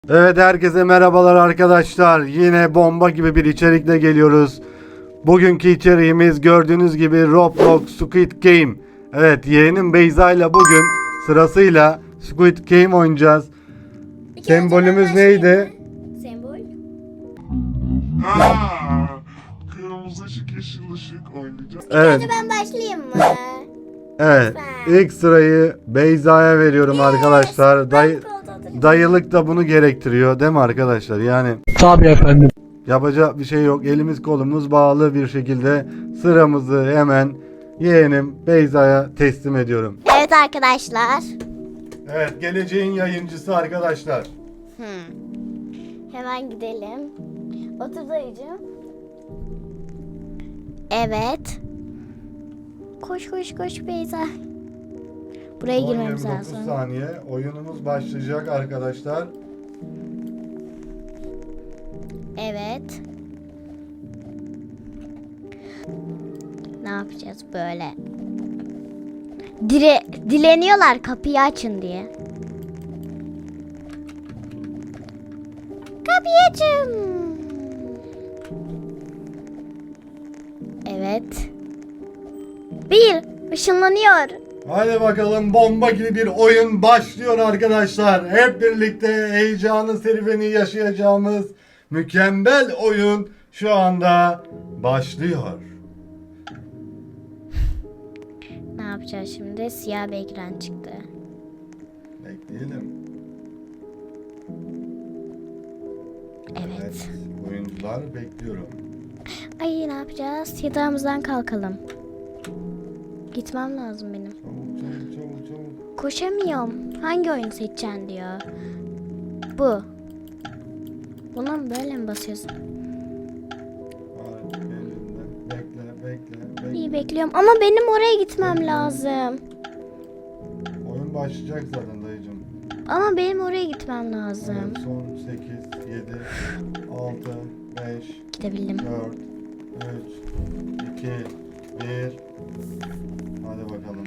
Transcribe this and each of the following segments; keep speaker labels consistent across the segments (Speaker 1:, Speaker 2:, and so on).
Speaker 1: Evet, herkese merhabalar arkadaşlar. Yine bomba gibi bir içerikle geliyoruz. Bugünkü içeriğimiz gördüğünüz gibi Roblox Squid Game. Evet, yeğenim Beyza ile bugün sırasıyla Squid Game oynayacağız.
Speaker 2: Bir kere
Speaker 1: Sembolümüz
Speaker 2: önce ben
Speaker 1: neydi?
Speaker 2: başlayayım mı? Sembol.
Speaker 3: Kırmızı ışık, yeşil ışık oynayacağız.
Speaker 1: Evet,
Speaker 2: Önce ben başlayayım mı?
Speaker 1: evet.
Speaker 2: Lütfen.
Speaker 1: İlk sırayı Beyza'ya veriyorum arkadaşlar.
Speaker 2: Ben koltuğum.
Speaker 1: Dayılık da bunu gerektiriyor, değil mi arkadaşlar? Yani
Speaker 4: Tabii efendim.
Speaker 1: yapacak bir şey yok. Elimiz kolumuz bağlı bir şekilde sıramızı hemen yeğenim Beyza'ya teslim ediyorum.
Speaker 2: Evet arkadaşlar.
Speaker 1: Evet, geleceğin yayıncısı arkadaşlar.
Speaker 2: Hemen gidelim. Otur dayıcığım. Evet. Koş koş koş Beyza. Buraya girmemiz
Speaker 1: 30
Speaker 2: lazım.
Speaker 1: saniye. Oyunumuz başlayacak arkadaşlar.
Speaker 2: Evet. Ne yapacağız böyle? Dileniyorlar kapıyı açın diye. Kapıyı açın. Evet. Bir ışınlanıyor.
Speaker 1: Hadi bakalım, bomba gibi bir oyun başlıyor arkadaşlar. Hep birlikte heyecanı serüveni yaşayacağımız mükemmel oyun şu anda başlıyor.
Speaker 2: Ne yapacağız şimdi? Siyah bir ekran çıktı.
Speaker 1: Bekleyelim.
Speaker 2: Evet.
Speaker 1: Oyuncular bekliyorum.
Speaker 2: Ay ne yapacağız? Yatağımızdan kalkalım. Gitmem lazım benim.
Speaker 1: Çabuk çabuk çabuk çabuk.
Speaker 2: Koşamıyorum. Hangi oyunu seçeceksin diyor. Bu. Buna mı böyle mi basıyorsun?
Speaker 1: Hadi elinden. Bekle bekle bekle.
Speaker 2: İyi bekliyorum ama benim oraya gitmem lazım.
Speaker 1: Oyun başlayacak zaten dayıcım.
Speaker 2: Ama benim oraya gitmem lazım.
Speaker 1: Evet, son 8, 7, 6, 5,
Speaker 2: Gidebildim.
Speaker 1: 4, 3, 2, 1. Hadi bakalım.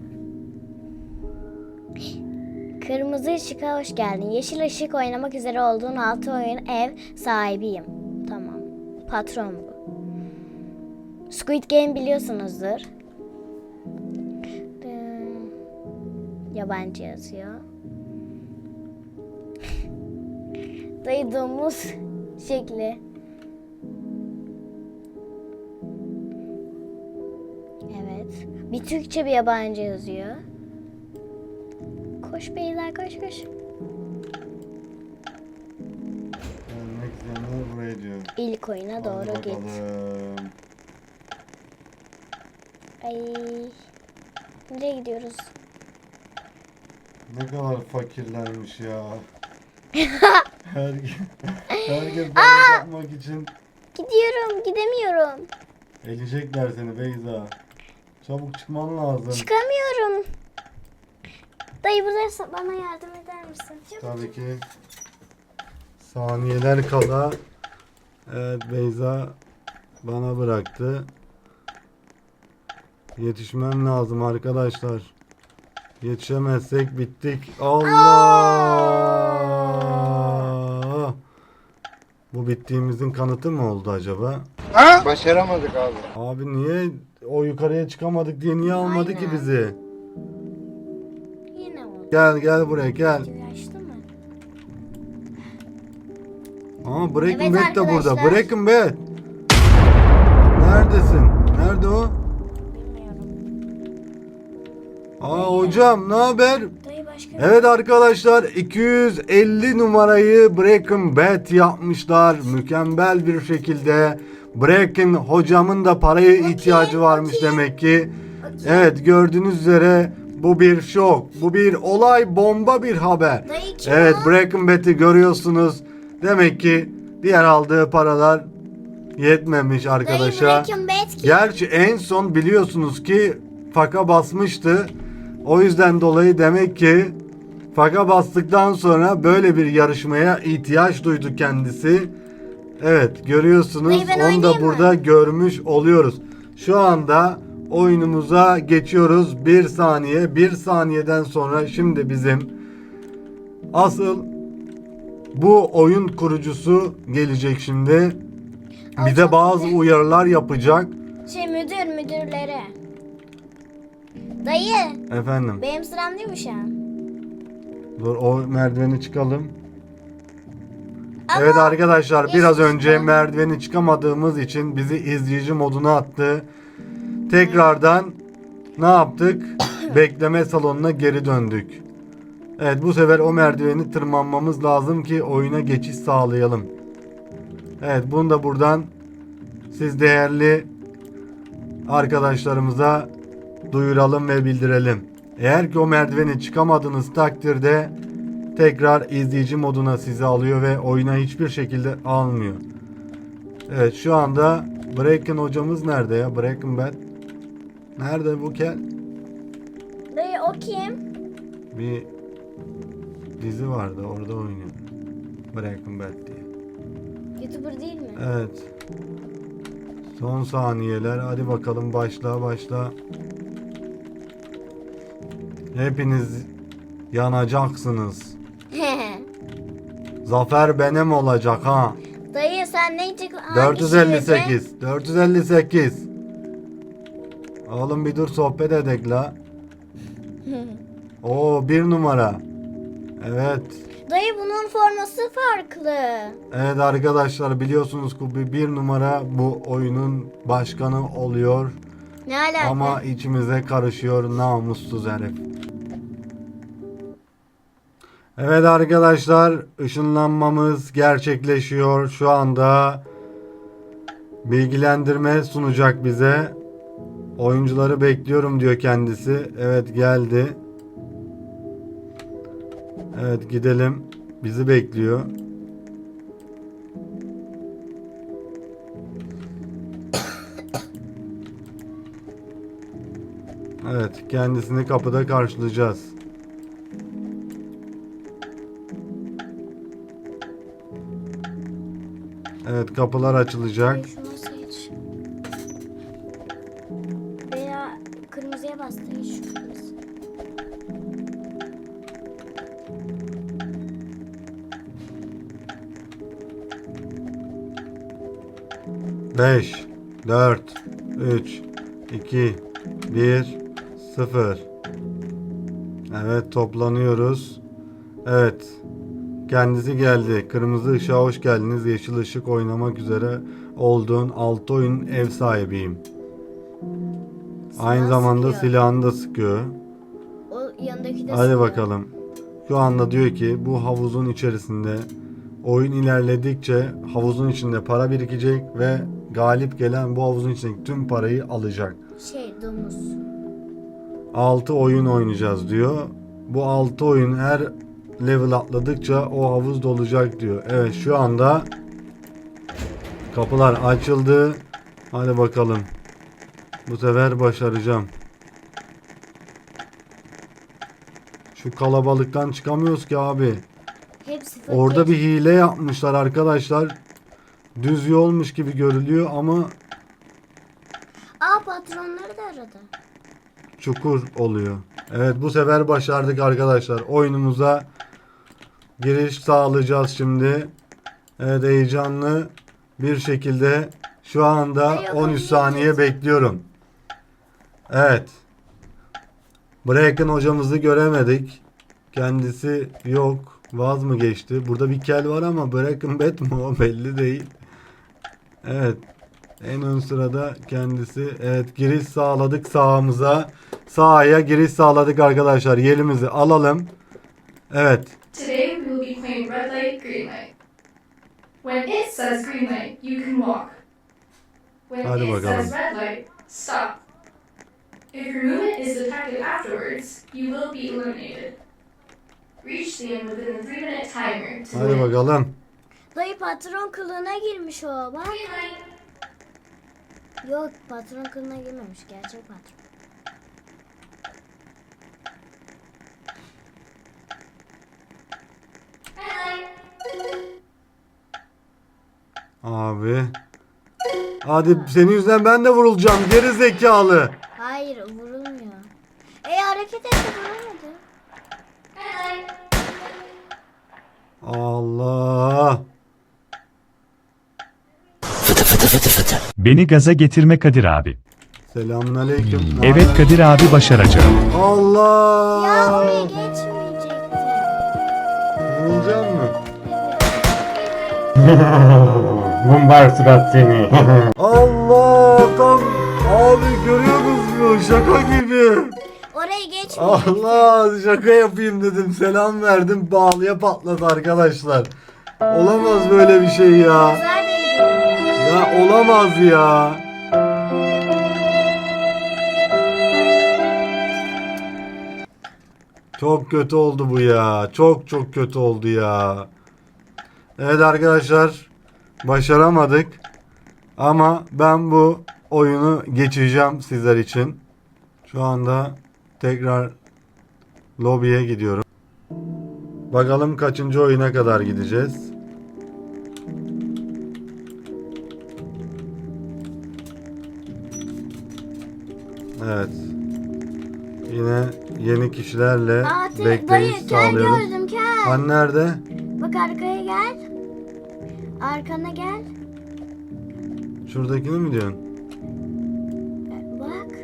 Speaker 2: Kırmızı ışığa hoş geldin. Yeşil ışık oynamak üzere olduğun altı oyun ev sahibiyim. Tamam. Patron bu. Squid Game biliyorsunuzdur. Yabancı yazıyor. Dayı domuz şekli. Evet. Bir Türkçe bir yabancı yazıyor. Koş beyler koş koş.
Speaker 1: Gelmek isteyenler buraya diyor.
Speaker 2: İlk oyuna
Speaker 1: Hadi
Speaker 2: doğru git.
Speaker 1: bakalım.
Speaker 2: Ay. Nereye gidiyoruz?
Speaker 1: Ne kadar fakirlermiş ya. Herkes böyle yapmak için
Speaker 2: Gidiyorum, gidemiyorum.
Speaker 1: elecekler seni Beyza. Çabuk çıkman lazım.
Speaker 2: Çıkamıyorum. Dayı buradaysa bana yardım eder misin? Çabuk.
Speaker 1: Tabii ki. Saniyeler kala. Evet, Beyza bana bıraktı. Yetişmem lazım arkadaşlar. Yetişemezsek bittik. Allah! Bu bittiğimizin kanıtı mı oldu acaba?
Speaker 3: Başaramadık abi.
Speaker 1: Abi niye o yukarıya çıkamadık diye niye almadı ki bizi?
Speaker 2: Yine oldu.
Speaker 1: Gel buraya gel.
Speaker 2: Açtı mı?
Speaker 1: Aa, Breaking
Speaker 2: Evet
Speaker 1: Bad de burada.
Speaker 2: arkadaşlar.
Speaker 1: Breaking Bad. Neredesin? Nerede o?
Speaker 2: Bilmiyorum.
Speaker 1: Aa hocam, ne haber?
Speaker 2: Dayı başka
Speaker 1: Evet arkadaşlar, 250 numarayı Breaking Bad yapmışlar. Mükemmel bir şekilde. Breaking hocamın da paraya ihtiyacı varmış demek ki. Evet, gördüğünüz üzere bu bir şok. Bu bir olay, bomba bir haber.
Speaker 2: Dayı kim
Speaker 1: Evet,
Speaker 2: o?
Speaker 1: Breaking Bad'i görüyorsunuz. Demek ki diğer aldığı paralar yetmemiş arkadaşa.
Speaker 2: Breaking Bad kim?
Speaker 1: Gerçi en son biliyorsunuz ki faka basmıştı. O yüzden dolayı demek ki faka bastıktan sonra böyle bir yarışmaya ihtiyaç duydu kendisi. Evet, görüyorsunuz,
Speaker 2: Dayı, ben
Speaker 1: onu da
Speaker 2: oynayayım mı?
Speaker 1: burada görmüş oluyoruz. Şu anda oyunumuza geçiyoruz. Bir saniye, bir saniyeden sonra şimdi bizim asıl bu oyun kurucusu gelecek şimdi. Bize bazı uyarılar yapacak.
Speaker 2: Müdürlere. Dayı,
Speaker 1: Efendim.
Speaker 2: benim sıram değil mi şu an?
Speaker 1: Dur o merdiveni çıkalım.
Speaker 2: Ama
Speaker 1: Evet arkadaşlar biraz
Speaker 2: geçmiş
Speaker 1: önce
Speaker 2: bu.
Speaker 1: merdiveni çıkamadığımız için bizi izleyici moduna attı. Tekrardan ne yaptık? Bekleme salonuna geri döndük. Evet bu sefer o merdiveni tırmanmamız lazım ki oyuna geçiş sağlayalım. Evet bunu da buradan siz değerli arkadaşlarımıza duyuralım ve bildirelim. Eğer ki o merdiveni çıkamadığınız takdirde tekrar izleyici moduna sizi alıyor ve oyuna hiçbir şekilde almıyor. Evet şu anda Bracken hocamız nerede ya? Breaking Bad. Nerede bu kel?
Speaker 2: Dayı o kim?
Speaker 1: Bir dizi vardı orada oynuyor. Breaking Bad diye.
Speaker 2: YouTuber değil mi?
Speaker 1: Evet. Son saniyeler. Hadi bakalım başla. Hepiniz yanacaksınız. Zafer benim olacak ha.
Speaker 2: Dayı sen ne çık?
Speaker 1: 458. Oğlum bir dur sohbet edek la. Oo 1 numara. Evet.
Speaker 2: Dayı bunun forması farklı.
Speaker 1: Evet arkadaşlar biliyorsunuz ki bir numara bu oyunun başkanı oluyor.
Speaker 2: Ne alaka?
Speaker 1: Ama içimize karışıyor namussuz herif. Evet arkadaşlar ışınlanmamız gerçekleşiyor. Şu anda bilgilendirme sunacak bize. Oyuncuları bekliyorum diyor kendisi. Evet geldi. Evet gidelim. Bizi bekliyor. Evet kendisini kapıda karşılayacağız. Evet kapılar açılacak.
Speaker 2: Dayı şunu seç. Veya kırmızıya bas dayı şu kırmızı.
Speaker 1: Beş, 4, 3, 2, 1, 0. Evet toplanıyoruz. Evet. Kendisi geldi. Kırmızı ışığa hoş geldiniz. Yeşil ışık oynamak üzere olduğun 6 oyun ev sahibiyim. Aynı zamanda
Speaker 2: sıkıyor.
Speaker 1: silahını da sıkıyor.
Speaker 2: O yanındaki de
Speaker 1: Hadi
Speaker 2: sıkıyor.
Speaker 1: bakalım. Şu anda diyor ki bu havuzun içerisinde oyun ilerledikçe havuzun içinde para birikecek ve galip gelen bu havuzun içindeki tüm parayı alacak.
Speaker 2: Domuz.
Speaker 1: 6 oyun oynayacağız diyor. Bu 6 oyun her level atladıkça o havuz dolacak diyor. Evet şu anda kapılar açıldı. Hadi bakalım. Bu sefer başaracağım. Şu kalabalıktan çıkamıyoruz ki abi.
Speaker 2: Hepsi
Speaker 1: Orada
Speaker 2: fakir.
Speaker 1: bir hile yapmışlar arkadaşlar. Düz yolmuş gibi görülüyor ama
Speaker 2: Patronları da aradı.
Speaker 1: çukur oluyor. Evet bu sefer başardık arkadaşlar. Oyunumuza giriş sağlayacağız şimdi. Evet heyecanlı bir şekilde şu anda 13 saniye bekliyorum. Evet. Bracken hocamızı göremedik. Kendisi yok. Vaz mı geçti? Burada bir kel var ama Bracken Bet mi o belli değil. Evet. En ön sırada kendisi. Evet giriş sağladık sahaya. Sahaya giriş sağladık arkadaşlar. Yerimizi alalım. Evet.
Speaker 4: Today we will be playing red light, green light. When it says green light, you can walk. When
Speaker 1: Hadi
Speaker 4: it
Speaker 1: bakalım.
Speaker 4: says red light, stop. If your movement is detected afterwards, you will be eliminated. Reach the end within the 3-minute timer to
Speaker 1: Hadi
Speaker 4: win.
Speaker 1: bakalım.
Speaker 2: Dayı patron kılığına girmiş o. Bak.
Speaker 4: Green light.
Speaker 2: Yok patron kılığına girmemiş. Gerçek patron.
Speaker 4: Red light.
Speaker 1: Abi. Hadi senin yüzünden ben de vurulacağım. Geri zekalı.
Speaker 2: Hayır vurulmuyor. Hareket etti vurulmadı.
Speaker 4: Red light.
Speaker 1: Allah.
Speaker 5: Beni gaza getirme Kadir abi.
Speaker 1: Selamünaleyküm.
Speaker 5: Evet Kadir abi başaracağım.
Speaker 1: Allah.
Speaker 2: Ya oraya geçmeyecekti.
Speaker 1: Vurulacak mı?
Speaker 6: Mumbar surat seni.
Speaker 1: Allah tam abi görüyorsunuz mu? Şaka gibi.
Speaker 2: Oraya geçmeyecekti.
Speaker 1: Allah şaka yapayım dedim. Selam verdim. Bağlıya patladı arkadaşlar. Olamaz böyle bir şey ya.
Speaker 2: Neredeydi?
Speaker 1: Ya olamaz ya. Çok kötü oldu bu ya. Çok çok kötü oldu ya. Evet arkadaşlar. Başaramadık. Ama ben bu oyunu geçeceğim sizler için. Şu anda tekrar lobiye gidiyorum. Bakalım kaçıncı oyuna kadar gideceğiz. Evet. Yine yeni kişilerle
Speaker 2: Dayı
Speaker 1: bekleyiş
Speaker 2: kel
Speaker 1: sağlıyoruz.
Speaker 2: gördüm kel.
Speaker 1: Han nerede?
Speaker 2: Bak arkaya gel. Arkana gel.
Speaker 1: Şuradakini mi diyorsun?
Speaker 2: Bak.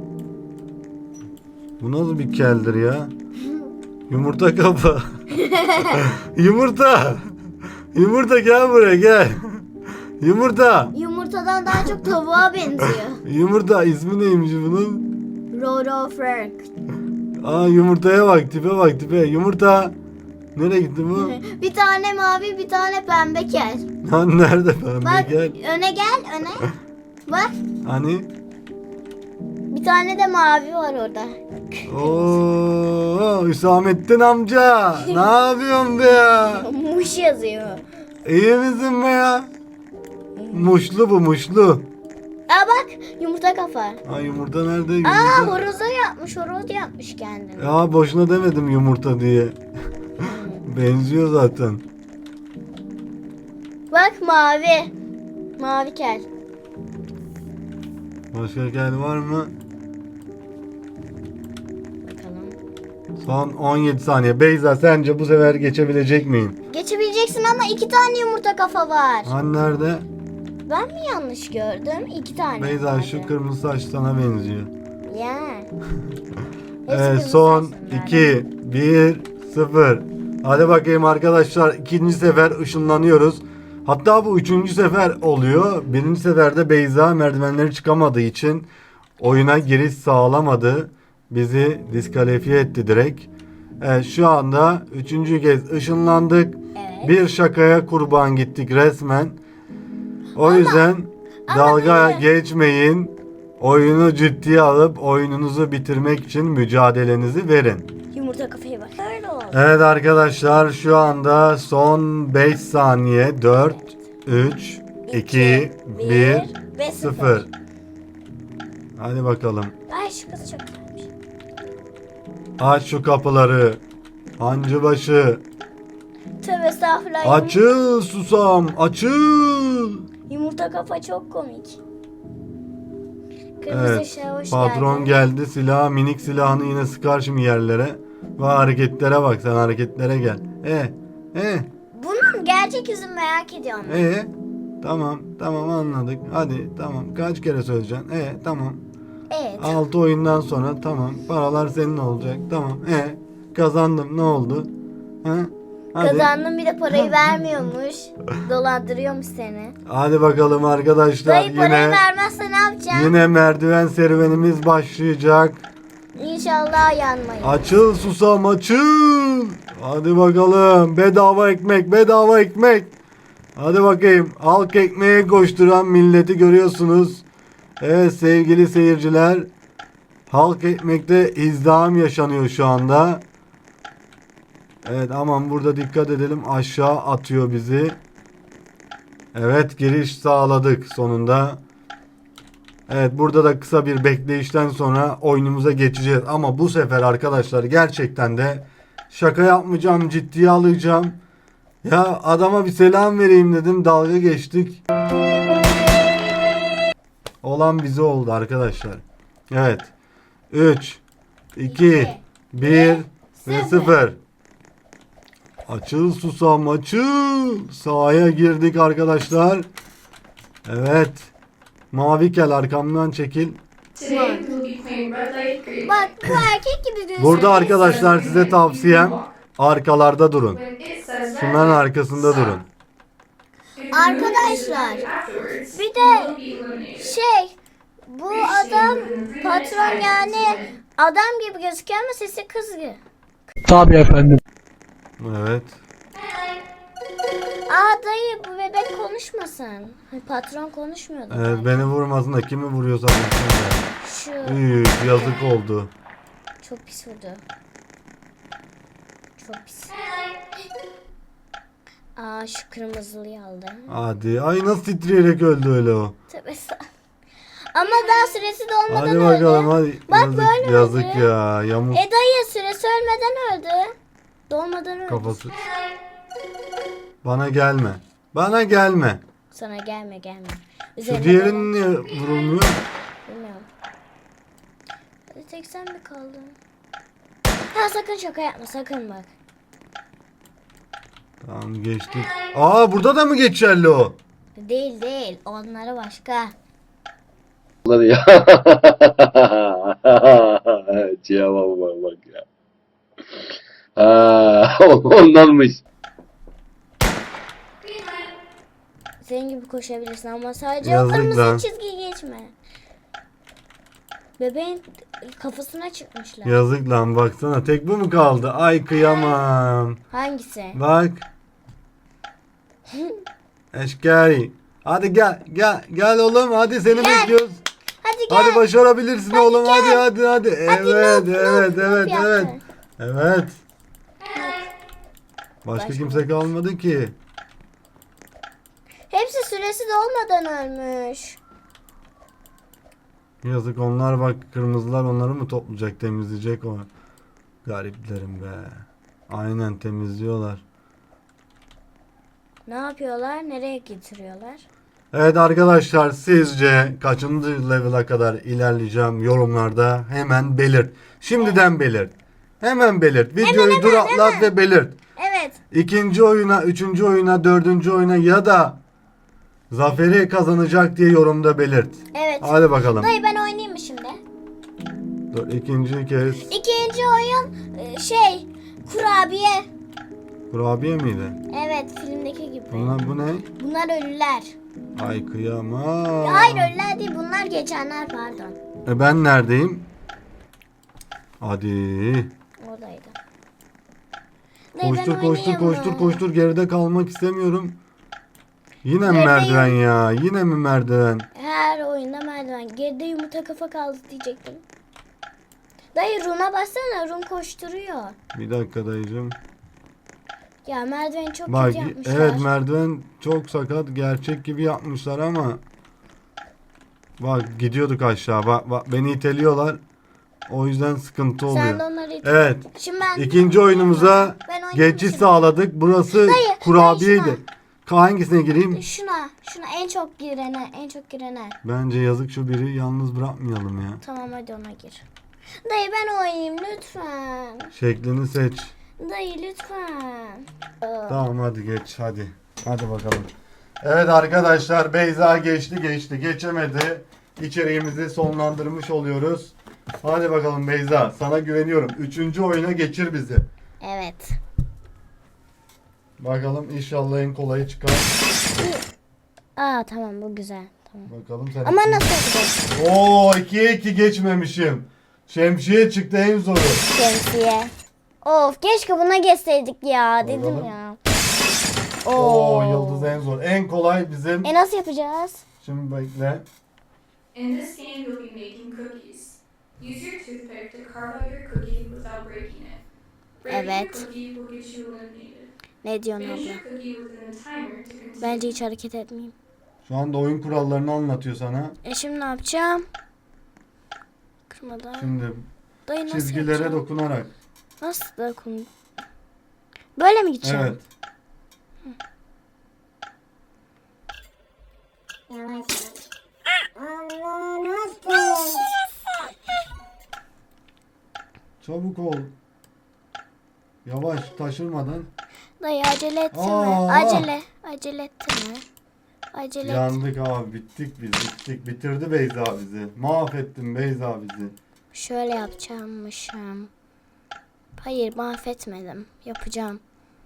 Speaker 1: Bu nasıl bir keldir ya? Yumurta kafa. Yumurta. Yumurta gel buraya gel. Yumurta.
Speaker 2: Yumurtadan daha çok tavuğa benziyor.
Speaker 1: Yumurta ismi neymiş bunun?
Speaker 2: Roro Frank.
Speaker 1: Aa yumurtaya bak tipe bak tipe. Yumurta. Nereye gitti bu?
Speaker 2: Bir tane mavi, bir tane pembe kel.
Speaker 1: Lan nerede pembe
Speaker 2: Bak
Speaker 1: gel.
Speaker 2: öne gel, öne. Bak
Speaker 1: Hani?
Speaker 2: bir tane de mavi var orada.
Speaker 1: Oo Hüsamettin amca. Ne yapıyorsun be ya?
Speaker 2: Muş yazıyor.
Speaker 1: İyi misin be ya? Muşlu bu muşlu.
Speaker 2: Aa bak yumurta kafa.
Speaker 1: Ha yumurta nerede?
Speaker 2: Aa
Speaker 1: Yumurta.
Speaker 2: horoza yapmış, horoz yapmış kendini.
Speaker 1: Ya boşuna demedim yumurta diye. Benziyor zaten.
Speaker 2: Bak mavi. Mavi kel.
Speaker 1: Başka kel var mı?
Speaker 2: Bakalım.
Speaker 1: Son 17 saniye. Beyza sence bu sefer geçebilecek miyim?
Speaker 2: Geçebileceksin ama 2 tane yumurta kafa var.
Speaker 1: Han nerede?
Speaker 2: Ben mi yanlış gördüm? 2 tane
Speaker 1: Beyza
Speaker 2: vardı.
Speaker 1: şu kırmızı saç sana benziyor.
Speaker 2: Ya.
Speaker 1: Evet son 2, 1, 0. Hadi bakayım arkadaşlar ikinci sefer ışınlanıyoruz. Hatta bu üçüncü sefer oluyor. Birinci seferde Beyza merdivenleri çıkamadığı için oyuna giriş sağlamadı. Bizi diskalifiye etti direkt. Evet şu anda üçüncü kez ışınlandık.
Speaker 2: Evet.
Speaker 1: Bir şakaya kurban gittik resmen. O yüzden dalga geçmeyin. Oyunu ciddiye alıp oyununuzu bitirmek için mücadelenizi verin.
Speaker 2: Yumurta kafaya bak. Öyle oldu.
Speaker 1: Evet arkadaşlar şu anda son 5 saniye 4, 3, 2, 1,
Speaker 2: ve
Speaker 1: 0. Hadi bakalım.
Speaker 2: Ay şu kız çok güzelmiş.
Speaker 1: Aç şu kapıları. Hancıbaşı.
Speaker 2: Tövbe estağfurullah.
Speaker 1: Açıl susam. Açıl.
Speaker 2: Yumurta kafa çok komik. Kırmızı
Speaker 1: Evet.
Speaker 2: ışığa hoş
Speaker 1: Patron
Speaker 2: geldin.
Speaker 1: geldi. Minik silahını yine sıkar şimdi yerlere. Ve hareketlere bak sen hareketlere gel.
Speaker 2: Bunun gerçek yüzünü merak ediyorum.
Speaker 1: Tamam anladık. Hadi tamam kaç kere söyleyeceksin? Tamam.
Speaker 2: Evet.
Speaker 1: 6 oyundan sonra tamam. Paralar senin olacak. Tamam. Kazandım ne oldu? Ha? Hadi.
Speaker 2: Kazandın bir de parayı vermiyormuş. Dolandırıyormuş seni.
Speaker 1: Hadi bakalım arkadaşlar.
Speaker 2: Dayı parayı vermezse ne yapacaksın?
Speaker 1: Yine merdiven serüvenimiz başlayacak.
Speaker 2: İnşallah yanmayın.
Speaker 1: Açıl susam açıl. Hadi bakalım. Bedava ekmek bedava ekmek. Hadi bakayım. Halk ekmeğe koşturan milleti görüyorsunuz. Evet sevgili seyirciler. Halk ekmekte izdiham yaşanıyor şu anda. Evet aman burada dikkat edelim. Aşağı atıyor bizi. Evet giriş sağladık sonunda. Evet burada da kısa bir bekleyişten sonra oyunumuza geçeceğiz. Ama bu sefer arkadaşlar gerçekten de şaka yapmayacağım, ciddiye alacağım. Ya adama bir selam vereyim dedim, dalga geçtik. Olan bize oldu arkadaşlar. Evet. 3, 2, 1 ve 0. Açıl susam açıl. Sahaya girdik arkadaşlar. Evet. Mavi kel arkamdan çekil.
Speaker 4: Today we will be playing red light, green
Speaker 2: Bak
Speaker 4: light.
Speaker 2: bu erkek gibi gözüküyor.
Speaker 1: Burada arkadaşlar size tavsiyem arkalarda durun.
Speaker 4: When it says red
Speaker 1: Şunların
Speaker 4: light,
Speaker 1: arkasında durun.
Speaker 4: if you move this
Speaker 2: Arkadaşlar,
Speaker 4: light afterwards,
Speaker 2: bir
Speaker 4: you
Speaker 2: de
Speaker 4: will be eliminated.
Speaker 2: bu adam patron yani adam gibi gözüküyor ama sesi kız gibi.
Speaker 1: Evet.
Speaker 2: Dayı bu bebek konuşmasın. Patron konuşmuyordu.
Speaker 1: Evet beni vurmasın da kimi vuruyorsa vursun ya.
Speaker 2: Şu
Speaker 1: Üf, yazık oldu.
Speaker 2: çok pis vurdu. Çok pis. Şu kırmızılıyı aldı.
Speaker 1: Hadi. Ay nasıl titreyerek öldü öyle o.
Speaker 2: Tövbe ama daha süresi dolmadan
Speaker 1: Hadi
Speaker 2: öldü.
Speaker 1: bakalım hadi.
Speaker 2: Bak
Speaker 1: Yazık,
Speaker 2: böyle
Speaker 1: yazık
Speaker 2: öldü.
Speaker 1: ya. Yamuk
Speaker 2: Dayı süresi ölmeden öldü. Dolmadan öldü.
Speaker 1: kafası. Bana gelme. Bana gelme.
Speaker 2: Sana gelme.
Speaker 1: Şu
Speaker 2: Üzerine
Speaker 1: diğerinin niye vurulmuyor?
Speaker 2: bilmiyorum. Hadi tek sen mi kaldın? Sakın şaka yapma sakın bak.
Speaker 1: Tamam geçtik. Aa burada da mı geçerli o?
Speaker 2: Değil. Onları başka.
Speaker 7: Ya. Cevap bak ya. Ondanmış.
Speaker 2: Senin gibi koşabilirsin ama sadece
Speaker 1: Yazık
Speaker 2: o kırmızı
Speaker 1: lan.
Speaker 2: çizgiyi geçme. Bebeğin kafasına çıkmışlar.
Speaker 1: Yazık lan baksana tek bu mu kaldı? Ay kıyamam.
Speaker 2: Hangisi?
Speaker 1: Bak. Eşkari. Hadi gel oğlum hadi seni bekliyoruz.
Speaker 2: Hadi gel.
Speaker 1: Hadi başarabilirsin oğlum
Speaker 2: gel.
Speaker 1: hadi. Evet
Speaker 2: noob yaptı.
Speaker 1: Evet. Başka
Speaker 2: Başka
Speaker 1: kimse kalmadı ki.
Speaker 2: Hepsi süresi dolmadan ölmüş.
Speaker 1: Yazık onlar bak kırmızılar onları mı toplayacak temizleyecek o. Gariplerim be. Aynen temizliyorlar.
Speaker 2: Ne yapıyorlar? Nereye getiriyorlar?
Speaker 1: Evet arkadaşlar sizce kaçıncı level'a kadar ilerleyeceğim yorumlarda hemen belirt. Şimdiden belirt. Hemen belirt. Videoyu duraklat ve belirt.
Speaker 2: Evet.
Speaker 1: İkinci oyuna, üçüncü oyuna, dördüncü oyuna ya da zaferi kazanacak diye yorumda belirt.
Speaker 2: Evet.
Speaker 1: Hadi bakalım.
Speaker 2: Dayı ben oynayayım mı şimdi?
Speaker 1: Dur, ikinci kez.
Speaker 2: İkinci oyun kurabiye.
Speaker 1: Kurabiye miydi?
Speaker 2: Evet filmdeki gibi.
Speaker 1: Bu ne?
Speaker 2: Bunlar ölüler.
Speaker 1: Ay kıyamam.
Speaker 2: Hayır ölüler değil bunlar geçenler pardon.
Speaker 1: Ben neredeyim? Hadi.
Speaker 2: Oradaydı. Dayı, ben
Speaker 1: Koştur
Speaker 2: oynayayım mı?
Speaker 1: koştur geride kalmak istemiyorum. Yine mi
Speaker 2: Gerideyim.
Speaker 1: merdiven ya? Yine mi merdiven?
Speaker 2: Her oyunda merdiven. Geride yumurta kafa kaldı diyecektim. Dayı Run'a bassana. Run koşturuyor.
Speaker 1: Bir dakika dayıcım.
Speaker 2: Ya merdiveni çok
Speaker 1: Bak
Speaker 2: kötü yapmışlar.
Speaker 1: evet merdiven çok sakat gerçek gibi yapmışlar ama bak gidiyorduk aşağı bak beni iteliyorlar o yüzden sıkıntı oluyor.
Speaker 2: Sen de onları it.
Speaker 1: Evet
Speaker 2: Şimdi ben
Speaker 1: ikinci oyunumuza
Speaker 2: Ben oynayayım
Speaker 1: geçiş
Speaker 2: şimdi.
Speaker 1: sağladık burası
Speaker 2: Dayı,
Speaker 1: kurabiyeydi.
Speaker 2: dayı
Speaker 1: Hangisine gireyim?
Speaker 2: Şuna en çok girene.
Speaker 1: Bence yazık şu biri yalnız bırakmayalım ya.
Speaker 2: Tamam hadi ona gir. Dayı ben oynayayım lütfen.
Speaker 1: Şeklini seç.
Speaker 2: Dayı lütfen.
Speaker 1: Tamam hadi geç hadi. Hadi bakalım. Evet arkadaşlar Beyza geçti geçemedi. İçeriğimizi sonlandırmış oluyoruz. Hadi bakalım Beyza sana güveniyorum. Üçüncü oyuna geçir bizi.
Speaker 2: Evet.
Speaker 1: Bakalım inşallah en kolayı çıkar.
Speaker 2: Tamam bu güzel. Tamam.
Speaker 1: Bakalım sen.
Speaker 2: Ama nasıl yapacağız?
Speaker 1: Oo 2'ye 2 geçmemişim. Şemsiye çıktı en zoru.
Speaker 2: Şemsiye. Of keşke buna geçseydik ya dedim
Speaker 1: Bakalım.
Speaker 2: ya.
Speaker 1: Oo yıldız en zor. En kolay bizim.
Speaker 2: Nasıl yapacağız?
Speaker 1: Şimdi bekle.
Speaker 4: In this game, you'll be making cookies. Use your toothpick to carve out your cookie without breaking it. Breaking
Speaker 2: Evet.
Speaker 4: your cookie will get you eliminated.
Speaker 2: Ne diyorsun
Speaker 4: Finish
Speaker 2: abla?
Speaker 4: your cookie within the timer to continue.
Speaker 2: Bence hiç hareket etmeyeyim.
Speaker 1: Şu anda oyun kurallarını anlatıyor sana.
Speaker 2: Şimdi ne yapacağım? Kırmadan.
Speaker 1: Şimdi
Speaker 2: Dayı nasıl
Speaker 1: çizgilere
Speaker 2: yapacağım?
Speaker 1: dokunarak.
Speaker 2: Nasıl dokun? Böyle mi gideceğim?
Speaker 1: Evet. Çabuk ol. Yavaş taşırmadan.
Speaker 2: Dayı acele etti mi?
Speaker 1: Aa!
Speaker 2: Acele etti mi? Acele etti.
Speaker 1: Yandık abi, bittik biz, bittik. Bitirdi Beyza bizi. Mahvettin Beyza bizi.
Speaker 2: Şöyle yapacağımmışım. Hayır, mahvetmedim. Yapacağım.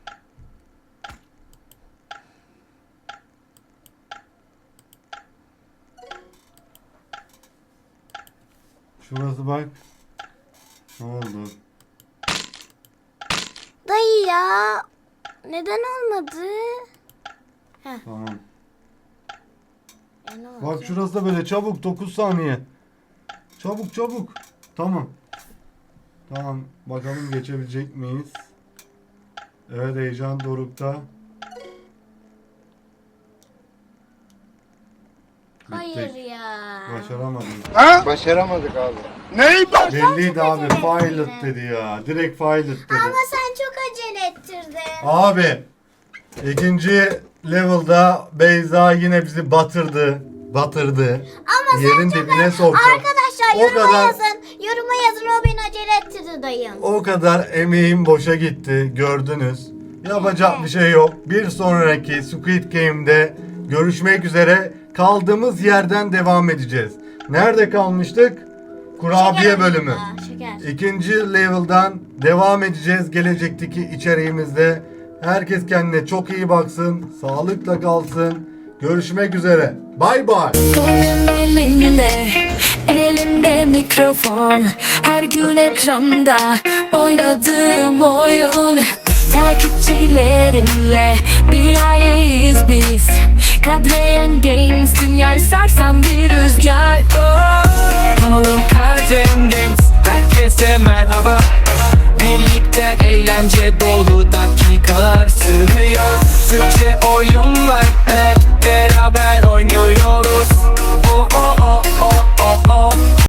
Speaker 1: Şurası bak. Ne oldu?
Speaker 2: Dayı ya. Neden olmadı?
Speaker 1: Tamam.
Speaker 2: Ne oldu?
Speaker 1: Bak şurası da böyle çabuk, 9 saniye. Çabuk çabuk. Tamam. Tamam, bakalım geçebilecek miyiz? Evet, heyecan dorukta.
Speaker 2: Hayır ya.
Speaker 1: Başaramadık.
Speaker 3: Başaramadık abi.
Speaker 1: Belliydi abi, pilot dedi ya. Direkt pilot dedi.
Speaker 2: Ama sen çok acele ettirdin.
Speaker 1: Abi, ikinci level'da Beyza yine bizi batırdı.
Speaker 2: Ama
Speaker 1: Yerin dibine soktu.
Speaker 2: Arkadaşlar
Speaker 1: O
Speaker 2: yoruma
Speaker 1: kadar-
Speaker 2: yazın. Yoruma yazın, o beni acele ettirdi dayım.
Speaker 1: O kadar emeğim boşa gitti, gördünüz. Yapacak bir şey yok. Bir sonraki Squid Game'de görüşmek üzere. Kaldığımız yerden devam edeceğiz. Nerede kalmıştık? Kurabiye
Speaker 2: Şeker
Speaker 1: bölümü.
Speaker 2: ya, şeker.
Speaker 1: İkinci level'dan devam edeceğiz gelecekteki içeriğimizde. Herkes kendine çok iyi baksın, sağlıkla kalsın. Görüşmek üzere. Bay bay.
Speaker 8: Elimde mikrofon, her gün ekranda oynadığım oyun. Takipçilerimle bir aileyiz biz. Kadreyen Games, dünyayı sarsan bir rüzgar. Oğlum Kadreyen Games, herkese merhaba. Birlikte eğlence dolu dakikalar sürüyor. Türkçe oyun